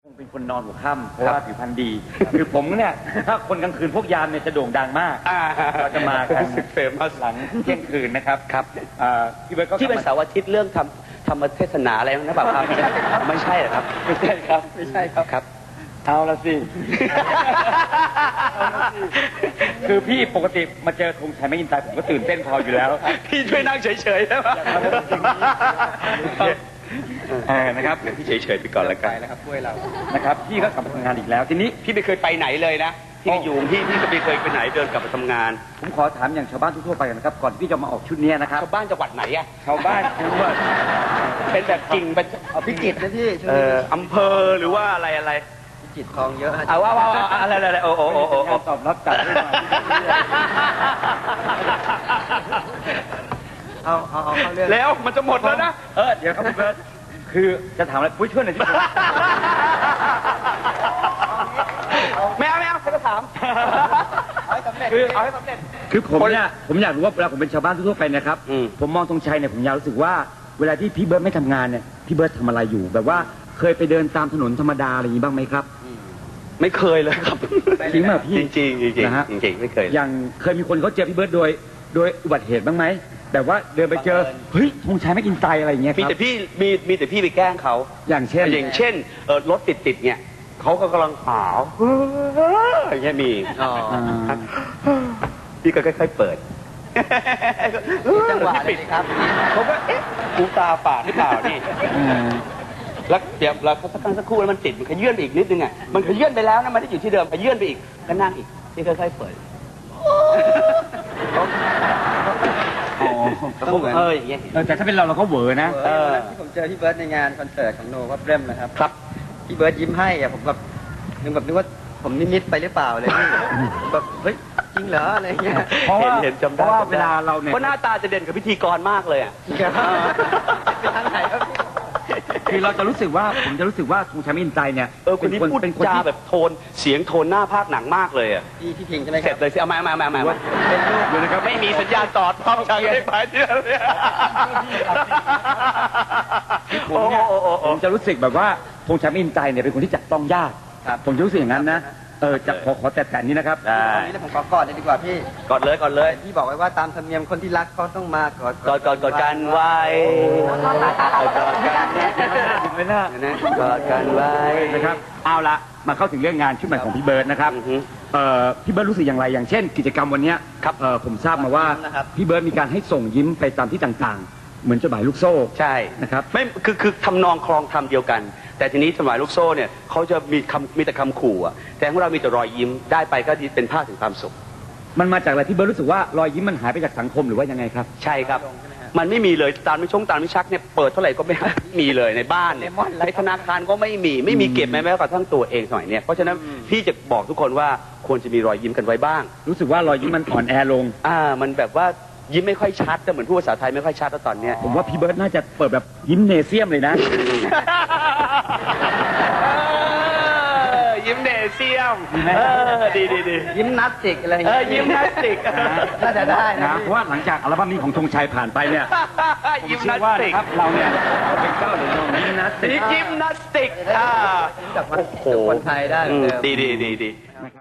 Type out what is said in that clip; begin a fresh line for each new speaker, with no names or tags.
เป็นคนนอนหัวค่ำเพราะว่าผิวพรรณดีคือผมเนี่ยถ้าคนกลางคืนพวกยามเนี่ยจะโด่งดังมากเราจะมากัน
เฟมัส
หลังเที่ยงคืนนะครับ
ครับ
พี่เบิร์ดก็
ที่เป็นเสาร์อาทิตย์เรื่องธรรมเทศนาอะไรนะเปล่าครับไม่ใช่หรอครับ
ไม่ใช่ครับไม่ใช่ครับ
ครับ
เอาละสิคือพี่ปกติมาเจอธงชัยไม่ยินตายผมก็ตื่นเต้นพออยู่แล้ว
พี่ช่วยนั่งเฉยๆได้ไหม
นะครับ
พี่เฉยๆไปก่อนละกัน
นะครับช่วยเรานะครับพี่ก็กลับมาทำงานอีกแล้วทีนี้
พี่ไม่เคยไปไหนเลยนะพี่อยู่พี่ก็ไม่เคยไปไหนเดินกลับมาทำงาน
ผมขอถามอย่างชาวบ้านทั่วไปนะครับก่อนที่จะมาออกชุดนี้นะครับ
ชาวบ้านจังหวัดไหนอะ
ชาวบ้านคือว่า
เป็นแบบจริงเป็น
พิจิตรนะที่
อำเภอหรือว่าอะไร
พิจิตรคลองเยอะ
ว่าอะไรโอ้
ตอบรับจัดได้ไหมเอาเข้าเรื่อง
แล้วมันจะหมดแล้วนะ
เดี๋ยวครับพี่เบิร์ดคือจะถามอะไรปุ้ยช่วยหน่อยที่
ไม่เอาใครก็ถามเอาให้สำเร็จ
คือผมอยากรู้ว่าเวลาผมเป็นชาวบ้านทั่วไปนะครับผมมองธงชัยเนี่ยผมอยากรู้สึกว่าเวลาที่พี่เบิร์ดไม่ทำงานเนี่ยพี่เบิร์ดทำอะไรอยู่แบบว่าเคยไปเดินตามถนนธรรมดาอะไรอย่างนี้บ้างไหมครับ
ไม่เคยเลยครับ
จริงไหมพี่
จริงนะฮะจริงไม่เคย
อย่างเคยมีคนเขาเจอพี่เบิร์ดโดยอุบัติเหตุบ้างไหมแบบว่าเดินไปเจอเฮ้ยธงชัยไม่กินไตอะไรอย่างเงี้ยครับ
มีแต่พี่ไปแกล้งเขา
อย่างเช่น
รถติดเนี่ยเขาก็กำลังหาวอย่างเงี้ยมีพี่ก็ค่อยๆเปิด
จังหวะปิดครับ
เขาก็กูตาฝาดหรือเปล่านี่แล้วเดี๋ยวเราสักครู่แล้วมันติดมันขยื่นไปอีกนิดนึงอ่ะมันขยื่นไปแล้วนะมันได้อยู่ที่เดิมขยื่นไปอีกก็นั่งอีกพี่ค่อยๆเปิด
ต้อง
อย่างเงี้ย
แต่ถ้าเป็นเราก็เวอร์นะ
ที่ผมเจอพี่เบิร์ดในงานคอนเสิร์ตของโนวับเรมนะครับ
ครับ
พี่เบิร์ดยิ้มให้อะผมแบบนึกว่าผมนิดไปหรือเปล่าเลยแบบเฮ้ยจริงเหรออะไรเงี้ย
เพราะว่าเวลาเราเนี่ย
เพราะหน้าตาจะเด่นกับพิธีกรมากเลยอ่ะ
ไปทางไหนครับ
คือเราจะรู้สึกว่าผมจะรู้สึกว่าธงชัยไม่ยินไตเนี่ย
คนนี้พูดจาแบบโทนเสียงโทนหน้าภาคหนังมากเลยอ่ะ
พี่พิงใช่ไหมครับ
เสร็จเลยสิเอามา
เป็นรูปอยู่นะครับ
ไม่มีสัญญาณต่อท้องชัยไม่ไปที่นั่นเลย
ผมจะรู้สึกแบบว่าธงชัยไม่ยินไตเนี่ยเป็นคนที่จับต้องยากผมจะรู้สึกอย่างนั้นนะจะขอแต่นี้นะครับ
ตรงนี้ผมขอกอดเลยดีกว่าพี่
กอดเลย
พี่บอกไว้ว่าตามธรรมเนียมคนที่รักเขาต้องมาก
อดกันไว้กอดกัน
ไม่น่าก
อดกันไว้
นะครับเอาละมาเข้าถึงเรื่องงานชุดใหม่ของพี่เบิร์ดนะครับพี่เบิร์ดรู้สึกอย่างไรอย่างเช่นกิจกรรมวันนี้
ครับ
ผมทราบมาว่าพี่เบิร์ดมีการให้ส่งยิ้มไปตามที่ต่างๆเหมือนจดหมายลูกโซ่
ใช่
นะครับ
ไม่คือทำนองคลองทำเดียวกันแต่ทีนี้จดหมายลูกโซ่เนี่ยเขาจะมีแต่คำขู่อ่ะแต่ของเรามีแต่รอยยิ้มได้ไปก็เป็นภาพถึงความสุข
มันมาจากอะไรพี่เบิร์ดรู้สึกว่ารอยยิ้มมันหายไปจากสังคมหรือว่ายังไงครับ
ใช่ครับมันไม่มีเลยตามไม่ชักเนี่ยเปิดเท่าไหร่ก็ไม่มีเลยในบ้านเนี่ยในธนาคารก็ไม่มีเก็บแม้กระทั่งตัวเองหน่อยเนี่ยเพราะฉะนั้นพี่จะบอกทุกคนว่าควรจะมีรอยยิ้มกันไว้บ้าง
รู้สึกว่ารอยยิ้มมันอ่อนแอลง
มันแบบว่ายิ้มไม่ค่อยชัดแต่เหมือนพูดภาษาไทยไม่ค่อยชัดตอนเนี้ย
ผมว่าพี่เบิร์ดน่าจะเปิดแบบยิ้มเนเซียมเลยนะ
ยิ้มเนเซียมดี
ยิ้มนัสติกอะไร
ยิ้มนัสติก
น่าจะได้นะ
เพราะว่าหลังจากอัลบั้มนี้ของธงชัยผ่านไปเนี่ย
ยิ้มนัสติก
ครับเราเนี่ยเป็นเจ้าหรือยิ้มนัสติก
ยิ้มนัสติก
โอ้โหคนไทยได้
ดี